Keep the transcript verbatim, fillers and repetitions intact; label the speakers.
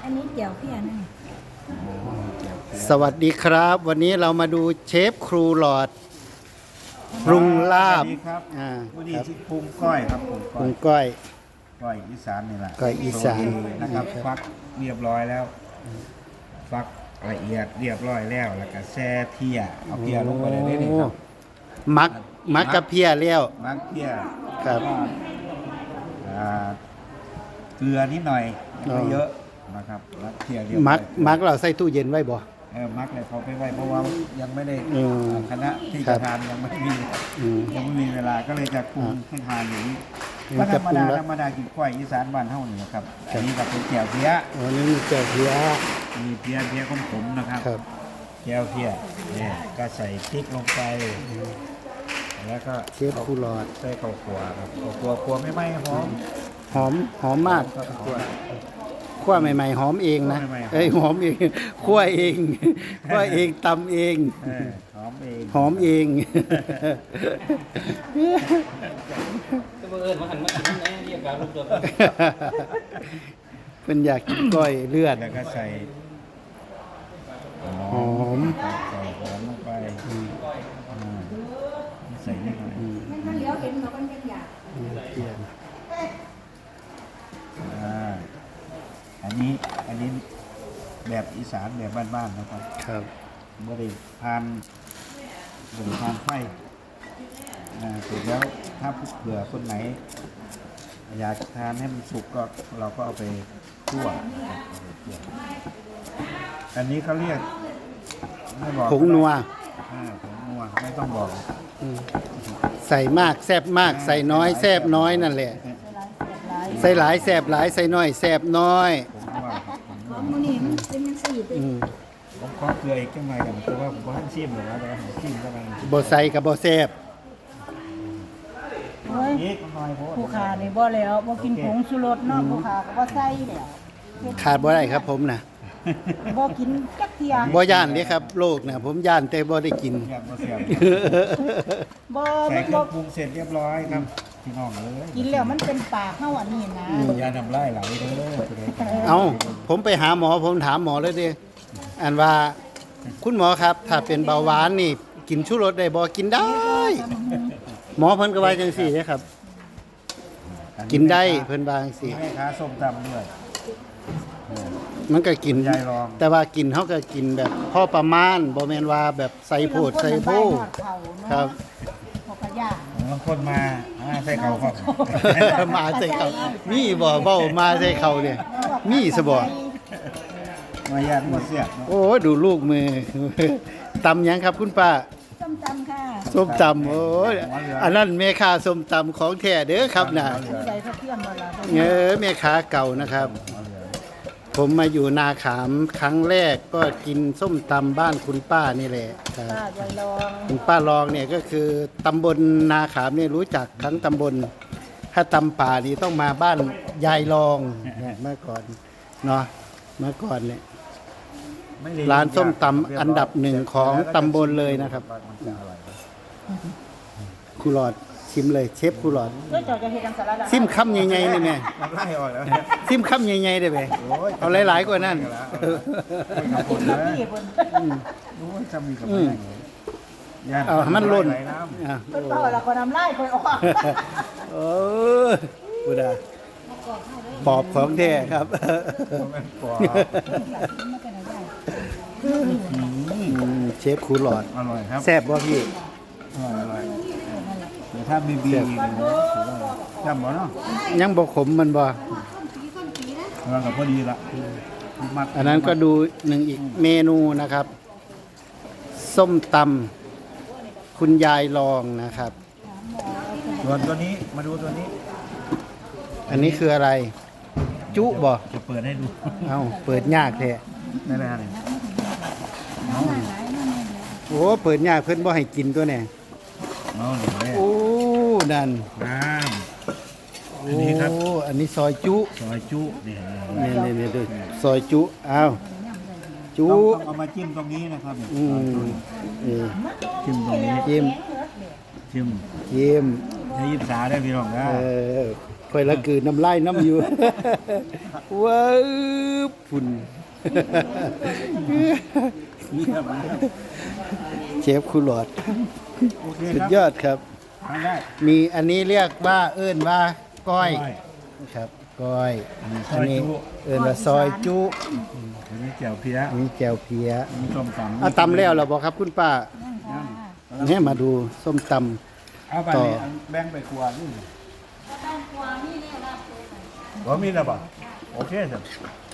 Speaker 1: นนี้เจียวเพี้ยน
Speaker 2: สวัสดีครับ วันนี้เรามาดูเชฟครูหลอดปรุงลาบ
Speaker 3: สวัสดีครับ
Speaker 2: อ่า
Speaker 3: วันนี้
Speaker 2: ครับ
Speaker 3: ที่ปรุงก้อยครับปรุง
Speaker 2: ป
Speaker 3: ก้
Speaker 2: รุ
Speaker 3: อย
Speaker 2: งก้อย
Speaker 3: ก้อยอีสานนี่แหละ
Speaker 2: ก้อยอีสาน
Speaker 3: โอเคนะครับฟักเรียบร้อยแล้ว ฟักละเอียดเรียบร้อยแล้วแล้วก็แช่เพียเอาเพียลงไปเลยนี่ครับ
Speaker 2: มักมักกะเพียเลี้ยว
Speaker 3: มักเพีย
Speaker 2: ครับ
Speaker 3: อ่าเกลือนิดหน่อย
Speaker 2: อ๋อ
Speaker 3: ไม่เยอะนะครับมักเพียเรียบร้อย
Speaker 2: มักมักเราใส่ตู้เย็นไว้บ่
Speaker 3: เออมักเลยเขาไปไว้เพราะว่ายังไม่ได้
Speaker 2: อืม
Speaker 3: คณะที่
Speaker 2: ครั
Speaker 3: จะ
Speaker 2: บ
Speaker 3: ทานยังไม่มี
Speaker 2: อืม
Speaker 3: ยังไม่มีเวลาก็เลยจะปรุงให้ทานอย่างนี้
Speaker 2: อืม
Speaker 3: ก็ธรรมดา
Speaker 2: จะปรุงแล้ว
Speaker 3: ธรรมดากินก้อยอีสานบ้านเฮานี่ครับ
Speaker 2: ครับ
Speaker 3: อันนี้ก็เป็นแจ่วเพี้ย
Speaker 2: วันนี้มีเจียวเพีย
Speaker 3: มีเพี้ยเพี้ยของผมนะครับ
Speaker 2: ครับ
Speaker 3: แจ่วเพี้ยเนี่ยก็ใส่พริกลงไปแล้วก็
Speaker 2: เชฟครูหลอด
Speaker 3: ใส่ข้าวคั่วครับข้าวคั่วคั่วไม่ไหม้หอม
Speaker 2: หอมหอมมาก
Speaker 3: ข้าวคั่ว
Speaker 2: คั่วใหม่ๆหอมเองนะ
Speaker 3: คั่วใหม่ๆ
Speaker 2: เอ้ยหอมเองคั่วเองคั่วเองตำเอง
Speaker 3: เออหอมเอง
Speaker 2: หอมเอง
Speaker 4: ก็บังเอิญมาหันมากินแน่เรียกการรูปตัว
Speaker 2: เพิ่นอยากกินก้อยเลือด
Speaker 3: แล้วก็ใส่ห
Speaker 2: ห
Speaker 3: อ
Speaker 2: อ
Speaker 3: ม
Speaker 2: ม
Speaker 3: ใส่หอมลงไปอ่าใส่นิดหน่อย
Speaker 1: มันมันเลี้ยวเห็นเราก็ยังอยาก
Speaker 2: เพีย
Speaker 3: อ่าอันนี้อันนี้แบบอีสานแบบบ้านๆนะครับ
Speaker 2: ครับ
Speaker 3: บริพานบริพานไฟอ่าเสร็จแล้วถ้าเผื่อคนไหน อยากทานให้มันสุกก็เราก็เอาไปคั่วเอาไปคั่วอันนี้เขาเรียกไม่บอก
Speaker 2: ผงนัว
Speaker 3: อ่าผงนัวไม่ต้องบอก
Speaker 2: อืมใส่มากแซบมาก ใส่น้อยแซบน้อยนั่นแหละ ใส่หลายแซบหลายใส่น้อยแซบน้อย
Speaker 3: ผงนัวครับผงนัว
Speaker 1: ของมันนี่มันเป็นมันสีติ
Speaker 2: อืม
Speaker 3: ผมขอเกลืออีกจังหน่อยกันเพราะว่าผมก็ท่านชิมหรอกนะแต่ว่าผมชิมก็มัน
Speaker 2: บ่ใส่กับบ่แซบ
Speaker 1: โอ้ย
Speaker 3: อีกหน่อยโพด
Speaker 1: ผู้ขานี่บ่แล้วบ่กินผงชูรสเนาะผู้ขาก็บ่ใส่แล้ว
Speaker 2: ขาดบ่ได้ครับผมนะ
Speaker 1: บ่กินจักเที่ย
Speaker 2: บ่ย่านเด้ครับโลกนะผมย่านแต่บ่ได้กิน
Speaker 3: อยากมาเสียบ
Speaker 1: บ่
Speaker 3: ใส่
Speaker 1: มัน
Speaker 3: เครื่
Speaker 1: บ่
Speaker 3: องปรุงเสร็จเรียบร้อยครับพี่น้องเลย
Speaker 1: กินแล้วมันเป็นปากเฮาอันนี้นะ
Speaker 3: ยาทำไรไหลเด้อ
Speaker 2: เอาผมไปหาหมอผมถามหมอเลยเด้อันว่าคุณหมอครับ ถ้าเป็นเบาหวานนี่กินชูรสได้บ่กินได้ หมอเพิ่นก็ว่าจังซี่เด้ครับ กินได้เพิ่นว่าจังซี่
Speaker 3: แม่ค้าส้มตำด้วย
Speaker 2: มันก็กิน
Speaker 3: ยายลอง
Speaker 2: แต่ว่ากินเฮาก็กินแบบพอประมาณบ่แม่นว่าแบบใส่โพดใส่โพครับ
Speaker 1: พกย่า
Speaker 3: บางคนมาอ่าใส่เขาครับ
Speaker 2: มาใส่เขามีบ่เว้ามาใส่เขาเนี่ยมีซะบ่
Speaker 3: มาญาติมาเสียบเนาะ
Speaker 2: โอ้ดูลูกมือ ตำหยังครับคุณป้า
Speaker 1: ส้มตำค่ะ
Speaker 2: ส้มตำโอ้ยอันนั้นแม่ค้าส้มตำของแท้เด้อครับน่ะ
Speaker 1: ผู้ใดเขาเพื่อนบ่ล่ะ
Speaker 2: เออแม่ค้าเก่านะครับ
Speaker 3: เอาเลย
Speaker 2: ผมมาอยู่นาขามครั้งแรกก็กินส้มตำบ้านคุณป้านี่แหละครับ
Speaker 1: ป้ายายรอง
Speaker 2: คุณป้ารองเนี่ยก็คือตำบลนาขามเนี่ยรู้จักทั้งตำบล ถ้าตำป่านี่ต้องมาบ้านยายรองเนี่ยเมื่อก่อนเนาะเมื่อก่อนเนี่ย
Speaker 3: ไม่ได้
Speaker 2: ร้านส้มตำอันดับหนึ่งของตำบลเลยนะครับ
Speaker 3: มันจะอร่อย
Speaker 2: ครูหลอดชิมเลยเชฟครูหลอด
Speaker 1: เจ้าเจ้าจะเฮ็ดจังซั่นล่ะ
Speaker 2: ซิมคำใหญ่ๆนี่แม่
Speaker 3: น้ำลายออกแล้ว
Speaker 2: ซิมคำใหญ่ๆได้ไหม
Speaker 3: โอ้ย
Speaker 2: เอาหลายๆกว่านั้น
Speaker 3: ขอบคุณ
Speaker 1: ค
Speaker 3: นะ
Speaker 1: พี่เพิ่น
Speaker 3: โอ้ยจำมีกับแม่งเลยย่น
Speaker 2: เอาให้มันล่น
Speaker 3: ไหน้ำ
Speaker 2: อ่ะ
Speaker 1: เพิ่นเป่าแล้วก็น้ำลายค่อยออก
Speaker 2: โอ้ยบุดาปอบของแท้ครับ
Speaker 3: มันเป็นปอ
Speaker 2: อืมเชฟครูหลอด
Speaker 3: อร่อยครับ
Speaker 2: แซ่บบ่พี่
Speaker 3: อร่อยอร่อยเดี๋ยวถ้าบีบีอีกนะถือว่าจำบ่เนาะ
Speaker 2: ยังบ่ขมมันบ่
Speaker 3: กำลังกับพอดีละมัด
Speaker 2: อันนั้นก็ดูหนึ่งอีกเมนูนะครับ ส้มตำคุณยายลองนะครับ
Speaker 3: ส่วนตัวนี้มาดูตัวนี้
Speaker 2: อันนี้คืออะไร จุบ่
Speaker 3: จะเปิดให้ดู
Speaker 2: เอ้าเปิดยากแท้
Speaker 3: ได้ไหมฮะเนี่ยเอา
Speaker 2: โอ้เปิดยากเพิ่นบ่ให้กินตัวเนี่ย
Speaker 3: เอาหนึ่งเลย
Speaker 2: โอ้นั่น
Speaker 3: น้ำ
Speaker 2: โอ้
Speaker 3: อันนี้ครับ
Speaker 2: อันนี้ซอยจุ
Speaker 3: ซอยจุเนี่ย
Speaker 2: นี่นี่นี่ดูซอยจุอ้าวจุ
Speaker 3: ต้องต้องเอามาจิ้มตรงนี้นะครับเนี่ย
Speaker 2: อืมนี่
Speaker 3: จิ้มตรงนี้
Speaker 2: จิ้ม
Speaker 3: จิ้ม
Speaker 2: จิ้ม
Speaker 3: จอย่ายิบสาได้พี่น้องนะ
Speaker 2: เออค่อยละกืนน้ำลายน้ำอยู่ ว้าวฝุ่น เชฟคุหลอด
Speaker 3: โอเค
Speaker 2: สุ
Speaker 3: ค
Speaker 2: ด
Speaker 3: รับ
Speaker 2: ยอดครับ
Speaker 3: ทานได้
Speaker 2: มีอันนี้เรียกว่าเอิ้นว่าก้อย
Speaker 3: ก้อย
Speaker 2: ครับก้อย
Speaker 3: อันนี้ซ
Speaker 2: อั
Speaker 3: อน ย
Speaker 2: นี้
Speaker 3: จุ
Speaker 2: เอิ้นว่าซอยจุ
Speaker 3: อันนี้แจ่วเพี้ย
Speaker 2: อันนี้แจ่วเพีย
Speaker 3: อันนี้ส้มตำ
Speaker 2: เอาตำแล้วเหราบอกครับคุณป้า
Speaker 1: นั่งค่ะ
Speaker 2: เนี่ยมาดูส้มต
Speaker 3: เอาไป
Speaker 2: ต่อ
Speaker 3: นี่อันแบ่งไปครัวนี่บ่มีแล้วป่ะโอเคจ้ะ